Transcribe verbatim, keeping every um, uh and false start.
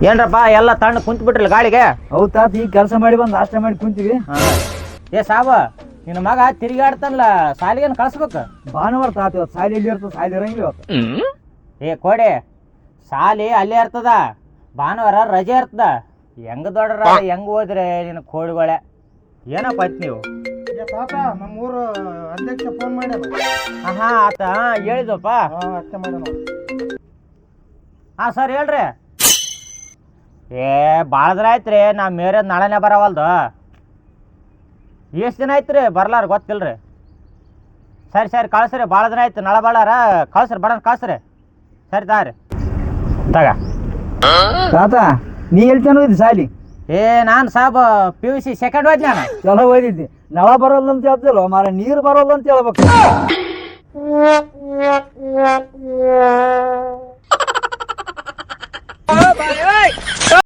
ಏನ್ರಪ್ಪ ಎಲ್ಲ ತಣ್ಣ ಕುಂತ್ ಬಿಟ್ರಲ್ಲ ಗಾಳಿಗೆ? ಹೌದ್ ತಾತ ಈಗ ಕೆಲಸ ಮಾಡಿ ಬಂದು ನಾಷ್ಟ ಮಾಡಿ ಕುಂತೀವಿ. ಏ ಸಾಬ, ನಿನ್ನ ಮಗ ತಿರುಗಾಡ್ತಾನಲ್ಲ, ಸಾಲಿಗೇನು ಕಳ್ಸ್ಬೇಕು? ಭಾನುವಾರ ತಾತ ಇವತ್ತು ಸಾಲಿ ಎಲ್ಲಿ ಇರ್ತದೆ, ಸಾಲಿ ಇರಂಗಿಲ್ಲ ಇವತ್ತು. ಏ ಕೋಡೆ, ಸಾಲಿ ಅಲ್ಲೇ ಇರ್ತದ, ಭಾನುವಾರ ರಜೆ ಇರ್ತದ. ಹೆಂಗ ದೊಡ್ರ ಹೆಂಗ್ ಹೋದ್ರೆ ನಿನ್ನ ಕೋಡಿಗಳೇ ಏನಪ್ಪ ಆಯ್ತು ನೀವು? ತಾತ ನಮ್ಮೂರು ಅಧ್ಯಕ್ಷ ಫೋನ್ ಮಾಡ್ಯಾನ. ಹಾ ಆತ ಹೇಳಿದ್ವಪ್ಪ. ಅಷ್ಟೇ ಮಾಡ್ಯಾನ. ಹಾ ಸರ್ ಹೇಳ್ರಿ. ಏ ಭಾಳ ದಿನ ಆಯ್ತು ರೀ, ನಾ ಮೇರೆ ನಾಳೆನೇ ಬರವಲ್ದು. ಎಷ್ಟು ದಿನ ಆಯ್ತು ರೀ ಬರ್ಲಾರ ಗೊತ್ತಿಲ್ರಿ. ಸರಿ ಸರಿ ಕಳ್ಸ್ರಿ, ಭಾಳ ದಿನ ಆಯ್ತು, ನಾಳೆ ಬಾಳಾರ ಕಳ್ಸ್ರಿ, ಬರೋಣ ಕಳ್ಸ್ರಿ. ಸರಿ ತಾರಿ ತಗ. ತಾತ ನೀ ಎಲ್ಲಿ ಚೆನ್ನ ಹೋಯ್ತು ಸಾಲಿ? ಏ ನಾನು ಸಾಬ್ ಪಿ ಯು ಸಿ ಸೆಕೆಂಡ್ ಹೋಯ್ತು ನಾನು. ಚಲೋ ಓದಿದ್ದಿ. ನಳ ಬರೋಲ್ಲ ಅಂತ ಹೇಳ್ತಿಲ್ವ ಮಾರ, ನೀರು ಬರೋಲ್ಲ ಅಂತ ಹೇಳ್ಬೇಕು.